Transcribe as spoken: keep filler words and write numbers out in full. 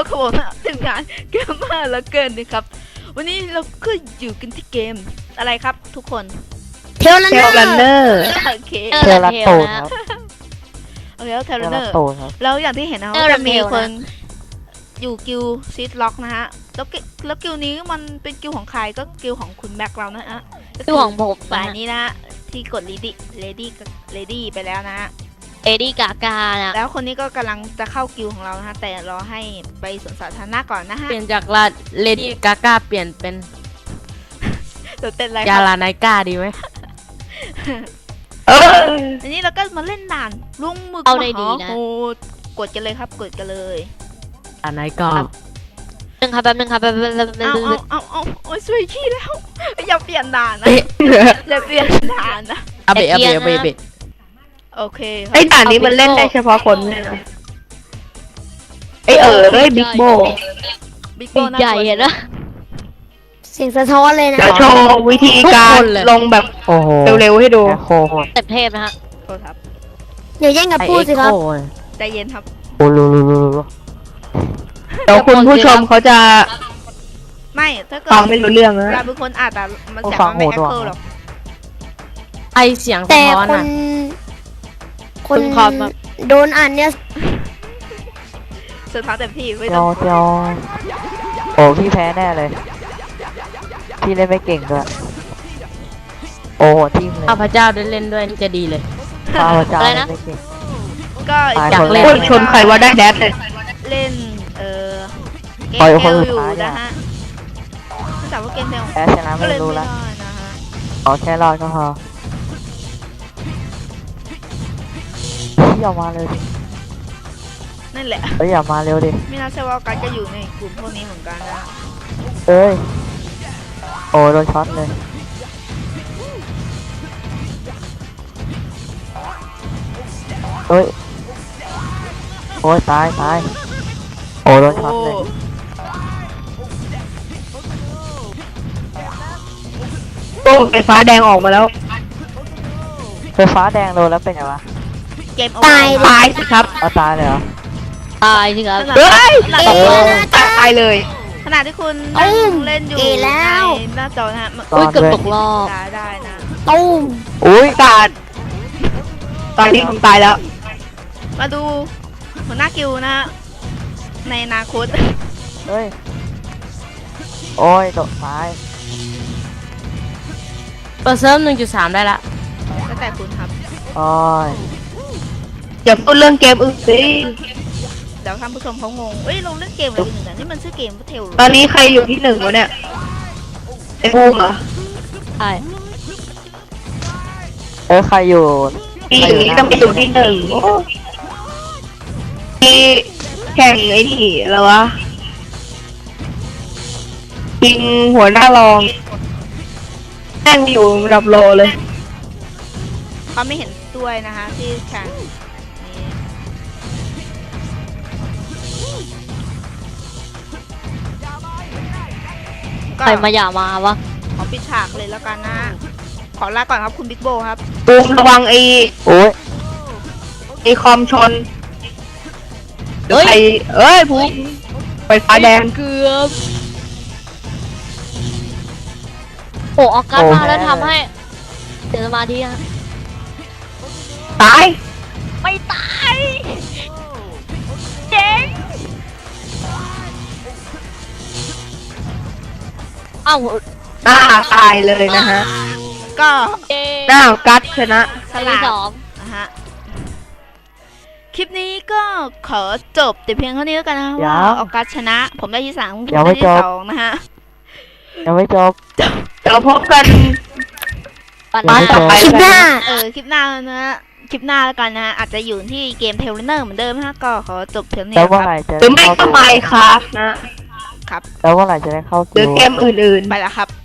เขาบอกว่าทีมงานเกมมากแล้วเกินนะครับวันนี้เราก็อยู่กันที่เกมอะไรครับทุกคนเทลลันเนอร์โอเคเทลลันโตครับโอเคแล้วเทเทเลลเนลัอน ร์โตครับแล้วอย่างที่เห็นนะเออว่าจะมีเร็วๆนะคนอยู่กิลซีดล็อกนะฮะแล้วกิแล้วกิลนี้มันเป็นกิลของใครก็กิลของคุณแม็กเรานะฮะคือของผมฝ่ายนี้นะฮะที่กดเลดี้เลดี้เลดี้ไปแล้วนะฮะเอดี้กากานะแล้วคนนี้ก็กำลังจะเข้ากิลของเรานะฮะแต่รอให้ไปสวนสาธารณะก่อนนะฮะเปลี่ยนจากลาเลดี้กากาเปลี่ยนเป็นเดี๋ยวเป็นอะไรยาครับลาไนกาดีไหมอันนี้เราก็มาเล่นด่านลุงหมึกเอาได้ดีนะโอ้กดกันเลยครับกดกันเลยลาไนกาหนึ่งครับแป๊บนึงครับแป๊บนึงแป๊บนึงเอาเอาเอาเอาโอ้ยช่วยขี้แล้ว อย่าเปลี่ยนด่านนะอย่าเปลี่ยนด่านนะอาเบะอาเบะอาเบะอาเบะโอเคครับไอ้ด่านนี้มันเล่นได้เฉพาะคนเนี่ยนะไอ้เออเอ้ยบิ๊กโบบิ๊กโบปีกน่าใหญ่กลัวเห็นปะเสียงสะท้อนเลยนะเดี๋ยวโชว์วิธีการลงแบบโอ้โหเร็วๆให้ดูโคโหดเต็มเทพนะฮะโทษครับเดี๋ยวแย่งกับไอพูดเอ็กสิคโครับใจเย็นครับโอ้ลูลูลูลูเดี๋ยวคุณผู้ชมเขาจะไม่ถ้าเกิดฟังไม่รู้เรื่องนะเราเป็นคนอ่านแต่มันเสียงมันไม่แอคเคิลหรอกไอเสียงสะแต่ท้อนคนอ่ะคนคุณครับครับโดนอ่านเนี่ยสุดท้ายเต็มที่ไม่เจีต้ยอวงเจียวโอ้พี่แพ้แน่เลย พี่เล่นไม่เก่งด้วยโอ้โหทีมเลยข้าพเจ้าได้เล่นด้วยนี่จะดีเลยข้าวจ้าอะไรเล่นะนไม่เก่งก็ตายอยากคนแรเล่นกพูดชนใครว่าได้แดดเลยเล่นเอ่อเกปล่อยมคนเอลสุดอยู่ท้ายนะอะฮะไม่ทราบว่าเกมเอลแพ้ชนะก็ไม่เล่นรู้ไม่ละได้นะฮะขอแค่รอดก็พอพี่อย่ามาเร็วดินั่นแหละเอ้ยอย่ามาเร็วดิไม่น่าใช่ว่าการจะอยู่ในกลุ่มพวกนี้เหมือนกันนะเอ้ยโอ้โดนช็อตเลยเอ้ยโอ้ยตายตายโอ้โดนช็อตเลยโอ้ไฟฟ้าแดงออกมาแล้วไฟฟ้าแดงโดนแล้วเป็นไงวะเกมตายตายสิครับเอาตายเลยเหรอตายสิครับเฮ้ยขนาดเอที่อตายเลยขนาดที่คุณเอ้นั่ยงเล่นอยู่เอแล้วในหน้าจอนะฮะมันตอนอุ้ยเกือบด้วยตกรอบได้ได้นะตุ้มอุ้ยกาดตอนนี้ผมตายแล้วมาดูหัวหน้ากิลนะฮะในอนาคตเฮ้ยโอ้ยตกท้ายเปิดเซิร์ฟหนึ่งจุดสามได้ละแล้วแต่คุณครับโอ้ยอย่าพูดเรื่องเกมอื่นสิเดี๋ยวท่านผู้ชมเขางงเอ้ยเราเล่นเกมอะไรกันอยู่เนี่ยนี่มันชื่อเกมว่าเทลตอนนี้ใครอยู่ที่หนึ่งวะเนี่ยไอ้บูมเหรอใช่เอ้ยใครอยู่ปีนี้ต้องไปอยู่ที่หนึ่งโอ้มีแข่งไอ้นี่แล้ววะยิงหัวหน้ารองนั่งอยู่ระดับโลเลยเขาไม่เห็นด้วยนะคะที่แข่งนี้ก็ใครมาอย่ามาวะขอปิดฉากเลยแล้วกันนะขอลาก่อนครับคุณบิ๊กโบครับบูมระวังไอ้โอ้ยไอ้คอมชนเดี๋ยวใครเอ้ยบูมไฟฟ้าแดงเกือบโอ้ออกการมาแล้วทำให้เสียสมาธิฮะตายไม่ตายเจ๋งอ้าวหน้าตายเลยนะฮะก็เจ๊หน้ากัดชนะสลาสดองนะฮะคลิปนี้ก็ขอจบแต่เพียงเท่านี้แล้วกันนะว่าออกการชนะ ผมได้ที่สามคุณได้ที่สองนะฮะยังไม่จบเดี๋ยวพบกันปันมาต่อไปคลิปหน้าเออคลิปหน้านะฮะคลิปหน้าแล้วกันนะฮะอาจจะอยู่ที่เกมเทเลเนอร์เหมือนเดิมนะฮะก็ขอจบเพียงเท่าแล้วนี้เมื่อคไหรับร่จะหรือไม่เข้าก็ไม่ครับนะครับแล้วเมื่อไหร่จะได้เข้าหรือคิวเกมอื่นๆไปแล้วครับ